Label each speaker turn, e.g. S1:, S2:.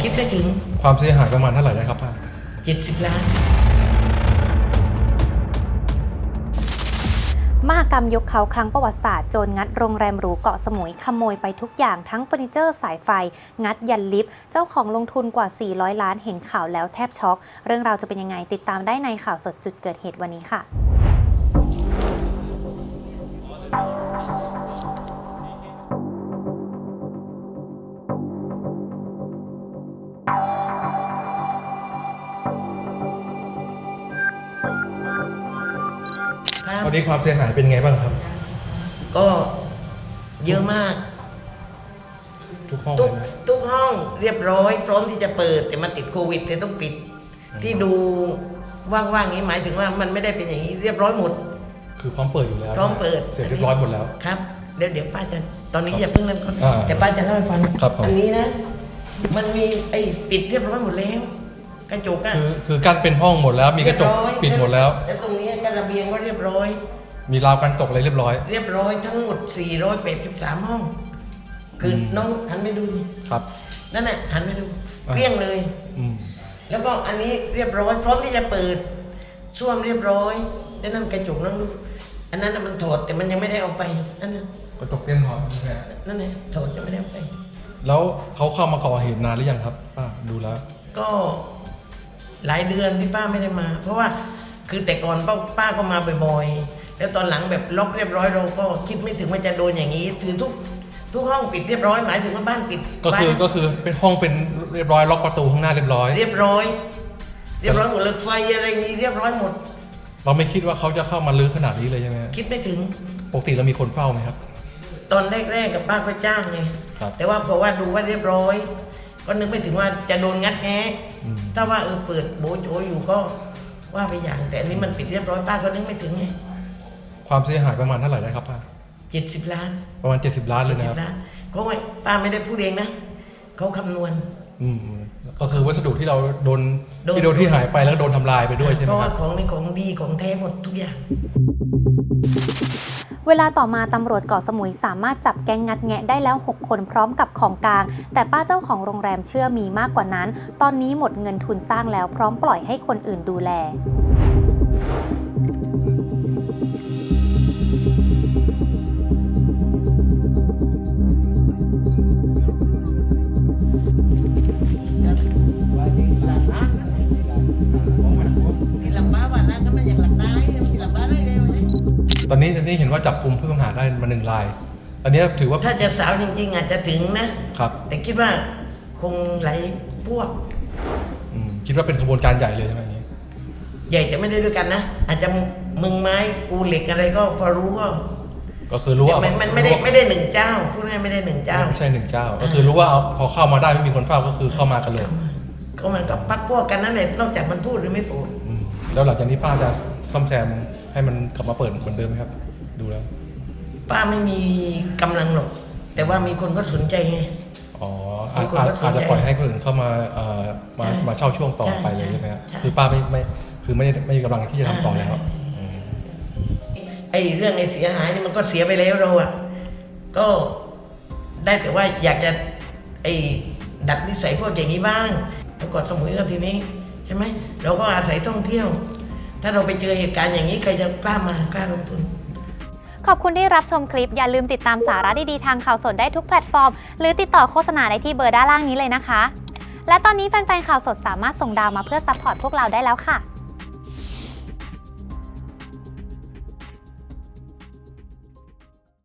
S1: ดได้ถึง
S2: ความเสียหายประมาณเท่าไหร่ได้ครับป้า
S1: 70 ล้าน
S3: มหกรรมยกเขาครั้งประวัติศาสตร์โจรงัดโรงแรมหรูเกาะสมุยขโมยไปทุกอย่างทั้งเฟอร์นิเจอร์สายไฟงัดยันลิฟต์เจ้าของลงทุนกว่า400 ล้านเห็นข่าวแล้วแทบช็อกเรื่องราวจะเป็นยังไงติดตามได้ในข่าวสดจุดเกิดเหตุวันนี้ค่ะ
S2: ตอนนี้ความเสียหายเป็นไงบ้างครับ
S1: ก็เยอะมาก
S2: ทุกห้อง
S1: ทุกห้องเรียบร้อยพร้อมที่จะเปิดแต่มันติดโควิดเลยต้องปิดที่ดูว่างๆนี้หมายถึงว่ามันไม่ได้เป็นอย่างนี้เรียบร้อยหมด
S2: คือพร้อมเปิดอยู่แล้ว
S1: พร้อมเปิด
S2: เสร็จเรียบร้อยหมดแล้ว
S1: ครับเดี๋ยวป้าจะตอนนี้อย่าเพิ่งเริ่มแต่ป้าจะเล่าให้ฟังอันนี้นะมันมีปิดเรียบร้อยหมดแล้วกระจก
S2: คือกั้นเป็นห้องหมดแล้วมีกระจกปิดหมดแล้ว
S1: แล้วตรงนี้กระเบียงก็เรียบร้อย
S2: มีราวกันตกอะไรเรียบร้อย
S1: ทั้งหมด483ห้องคือน้องหันไปดู
S2: ครับ
S1: นั่นแหละหันไปดูเกลี้ยงเลยแล้วก็อันนี้เรียบร้อยพร้อมที่จะเปิดส้วมเรียบร้อยแล้วนั่นกระจกนั่งดูอันนั้นมันถอดแต่มันยังไม่ได้เอาไปนั่นนะ
S2: กระจกเต็มถอด
S1: นั่นแหละถอดจะไม่ได้เอาไป
S2: แล้วเขาเข้ามาก่อเหตุนานหรือยังครับป้าดูแล้ว
S1: ก็หลายเดือนที่ป้าไม่ได้มาเพราะว่าคือแต่ก่อนป้าก็มาบ่อยๆแล้วตอนหลังแบบล็อกเรียบร้อยเราก็คิดไม่ถึงว่าจะโดนอย่างนี้คือทุกห้องปิดเรียบร้อยหมายถึงว่าบ้านปิด
S2: ก็คือเป็นห้องเป็นเรียบร้อยล็อกประตูข้างหน้าเรียบร้อย
S1: หมดเลยไฟอะไรนี้เรียบร้อยหมด
S2: เราไม่คิดว่าเขาจะเข้ามาลื้อขนาดนี้เลยใช่ไหม
S1: คิดไม่ถึง
S2: ปกติเรามีคนเฝ้าไหมครับ
S1: ตอนแรกๆกับป้าก็จ้างไงแต่ว่าพอว่าดูว่าเรียบร้อยก็นึกไม่ถึงว่าจะโดนงัดแงะถ้าว่าเปิดโบโจอยู่ก็ว่าไปอย่างแต่อันนี้มันปิดเรียบร้อยป้าก็นึกไม่ถึงไง
S2: ความเสียหายประมาณเท่าไหร่ได้ครับป้า
S1: 70 ล้าน
S2: ประมาณ70 ล้านเลยนะครับ
S1: เขาไม่ป้าไม่ได้พูดเองนะเขาคำนวณ
S2: ก็คือวัสดุที่เราโดนที่หายไปแล้วโดนทำลายไปด้วยใช่ไหมครับ
S1: เพราะว่าของในของดีของแท้หมดทุกอย่าง
S3: เวลาต่อมาตำรวจเกาะสมุยสามารถจับแก๊งงัดแงะได้แล้ว6 คนพร้อมกับของกลางแต่ป้าเจ้าของโรงแรมเชื่อมีมากกว่านั้นตอนนี้หมดเงินทุนสร้างแล้วพร้อมปล่อยให้คนอื่นดูแล
S2: ตอนนี้เห็นว่าจับกลุ่มผู้ต้องหาได้มา1 รายตอนนี้ถือว่า
S1: ถ้าจะสาวจริงๆอาจจะถึงนะครับแต่คิดว่าคงหลายพวก
S2: คิดว่าเป็นขบวนการใหญ่เลยใช่ไหมนี้
S1: ใหญ่แต่ไม่ได้ด้วยกันนะอาจจะมึงไม้กูเหล็กอะไรก็พอรู้
S2: ก็คือรู้ว่า
S1: มันไม่ได้1 เจ้าพูดง่ายไม่ได้1 เจ้า
S2: ไม่ใช่1 เจ้าก็คือรู้ว่าพอเข้ามาได้ไม่มีคนเฝ้าก็คือเข้ามากันเลย
S1: ก็มันก็ปักพวกกันนั่นแหละนอกจากมันพูดหรือไม่พูด
S2: แล้วหลังจากนี้ป้าจะซ่อมแซมให้มันกลับมาเปิดเหมือนเดิมไหมครับดูแล้ว
S1: ป้าไม่มีกำลังหรอกแต่ว่ามีคนก็สนใจไง
S2: อาจจะปล่อยให้คนอื่นเข้ามาเช่าช่วงต่อไปเลยใช่ไหมครับคือป้าไม่มีกำลังที่จะทำต่อแล้ว
S1: เรื่องเสียหายนี่มันก็เสียไปแล้วเราก็ได้แต่ว่าอยากจะดัดนิสัยพวกอย่างนี้บ้างแล้วก็สมุยก็ทีนี้ใช่ไหมเราก็อาศัยท่องเที่ยวถ้าเราไปเจอเหตุการณ์อย่างนี้ใครจะกล้าลงทุน
S3: ขอบคุณที่รับชมคลิปอย่าลืมติดตามสาระดีๆทางข่าวสดได้ทุกแพลตฟอร์มหรือติดต่อโฆษณาได้ที่เบอร์ด้านล่างนี้เลยนะคะและตอนนี้แฟนๆข่าวสดสามารถส่งดาวมาเพื่อซัพพอร์ตพวกเราได้แล้วค่ะ